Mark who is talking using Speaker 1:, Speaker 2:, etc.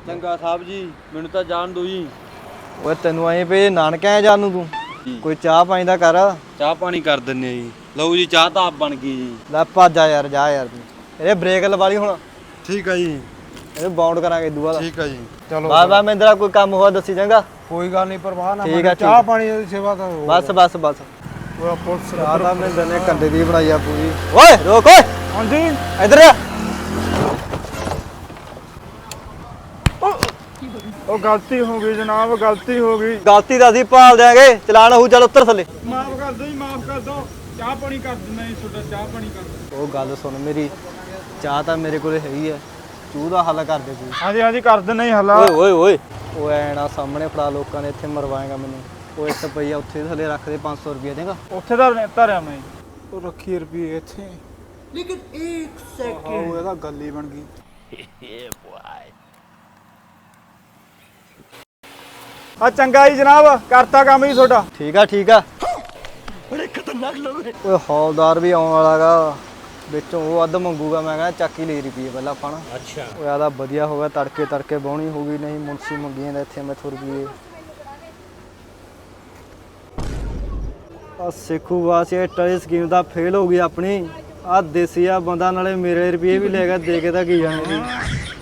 Speaker 1: ਚੰਗਾ ਸਾਹਿਬ ਜੀ ਮੈਨੂੰ ਤਾਂ ਜਾਣ ਦੋ ਜੀ।
Speaker 2: ਓਏ ਤੈਨੂੰ ਐਂ ਪਏ ਨਾਨਕੇ ਆ ਜਾਣ ਨੂੰ ਤੂੰ ਕੋਈ ਚਾਹ ਪਾਣੀ ਦਾ ਕਰ।
Speaker 1: ਚਾਹ ਪਾਣੀ ਕਰ ਦਿੰਨੇ ਜੀ। ਲਓ ਜੀ ਚਾਹ ਤਾਂ ਆਪ ਬਣ ਗਈ ਜੀ।
Speaker 2: ਲੈ ਭੱਜ ਆ ਯਾਰ ਜਾ ਯਾਰ ਤੂੰ ਇਹਦੇ ਬ੍ਰੇਕ ਲਵਾ ਲਈ ਹੁਣ
Speaker 1: ਠੀਕ ਆ ਜੀ।
Speaker 2: ਇਹਨੂੰ ਬਾਉਂਡ ਕਰਾਂਗੇ ਇਦੂ ਬਾਅਦ।
Speaker 1: ਠੀਕ ਆ ਜੀ।
Speaker 3: ਚਲੋ
Speaker 2: ਬਾਬਾ ਮਹਿੰਦਰਾ ਕੋਈ ਕੰਮ ਹੋਇਆ ਦੱਸੀ ਚੰਗਾ।
Speaker 3: ਕੋਈ ਗੱਲ ਨਹੀਂ ਪਰਵਾਹ ਨਾ
Speaker 2: ਠੀਕ ਆ, ਠੀਕ
Speaker 3: ਚਾਹ
Speaker 2: ਆ।
Speaker 3: ਪਾਣੀ ਦੀ ਸੇਵਾ ਤਾਂ
Speaker 2: ਬਸ ਬਸ ਬਸ
Speaker 3: ਉਹ ਪੁਲਿਸ
Speaker 2: ਚਾਹ ਤਾਂ ਮਹਿੰਦਰ ਨੇ ਕੰਡੇ ਦੀ ਬਣਾਈ ਆ ਪੂਰੀ। ਓਏ ਰੋਕ ਓਏ
Speaker 3: ਹਾਂਜੀ
Speaker 2: ਇੱਧਰ ਆ।
Speaker 3: ਉਹ ਗਲਤੀ ਹੋ ਗਈ ਜਨਾਬ ਗਲਤੀ ਹੋ ਗਈ
Speaker 2: ਗਲਤੀ ਦਾ ਅਸੀਂ ਭਾਲ ਦਿਆਂਗੇ ਚਲਾਨ ਹੋਊ ਚੱਲ ਉੱਤਰ ਥੱਲੇ।
Speaker 3: ਮਾਫ ਕਰ ਦਿਓ ਜੀ ਮਾਫ ਕਰ ਦਿਓ ਚਾਹ ਪਾਣੀ ਕਰ ਦਿੰਦਾ ਜੀ ਤੁਹਾਡਾ ਚਾਹ ਪਾਣੀ ਕਰ ਦਿਓ।
Speaker 2: ਉਹ ਗੱਲ ਸੁਣ ਮੇਰੀ ਚਾਹ ਤਾਂ ਮੇਰੇ ਕੋਲੇ ਹੈਗੀ ਆ ਚੂਹ ਦਾ ਹੱਲ ਕਰ ਦੇ ਕੋਈ।
Speaker 3: ਹਾਂਜੀ ਹਾਂਜੀ ਕਰ ਦਿੰਦਾ ਜੀ ਹੱਲਾ
Speaker 2: ਓਏ ਓਏ ਓਏ ਓਏ ਐਣਾ ਸਾਹਮਣੇ ਫੜਾ ਲੋਕਾਂ ਨੇ ਇੱਥੇ ਮਰਵਾਏਗਾ ਮੈਨੂੰ। ਉਹ 1 ਰੁਪਈਆ ਉੱਥੇ ਥੱਲੇ ਰੱਖ ਦੇ 500 ਰੁਪਈਆ ਦੇਗਾ।
Speaker 3: ਉੱਥੇ ਦਾ ਧਰਿਆ ਮੈਂ ਉਹ ਰੱਖੀ ਰੁਪਏ ਇੱਥੇ ਲੇਕਿਨ 1 ਸੈਕਿੰਡ ਉਹ ਇਹਦਾ ਗੱਲ ਹੀ ਬਣ ਗਈ। ਆ ਚੰਗਾ ਜੀ ਜਨਾਬ ਕਰਤਾ ਕੰਮ ਜੀ ਤੁਹਾਡਾ।
Speaker 2: ਠੀਕ ਆ ਠੀਕ ਆ। ਬੜੇ ਖਤਰਨਾਕ ਲੋਕ ਓਏ ਹੌਲਦਾਰ ਵੀ ਆਉਣ ਵਾਲਾਗਾ ਵਿੱਚੋਂ ਉਹ ਅੱਧ ਮੰਗੂਗਾ ਮੈਂ ਕਹਿੰਦਾ ਚੱਕ ਹੀ ਲੈ ਰੁਪਈਏ ਪਹਿਲਾਂ ਆਪਾਂ ਨਾ।
Speaker 1: ਅੱਛਾ
Speaker 2: ਓਏ ਆਦਾ ਵਧੀਆ ਹੋ ਗਿਆ ਤੜਕੇ ਬਾਉਣੀ ਹੋ ਗਈ ਨਹੀਂ ਮੁਨਸੀ ਮੰਗੀਆਂ ਦਾ ਇੱਥੇ ਮੈਥੋਂ ਰੁਪਈਏ। ਆ ਸਿੱਖੂ ਵਾਸੀ ਟਰੀ ਸਕੀਮ ਦਾ ਫੇਲ ਹੋ ਗਈ ਆਪਣੀ। ਆ ਦੇਸੀ ਆ ਬੰਦਾ ਨਾਲੇ ਮੇਰੇ ਰੁਪਈਏ ਵੀ ਲੈ ਗਿਆ ਦੇ ਕੇ ਤਾਂ ਕੀ ਜਾਣੇ ਸੀ।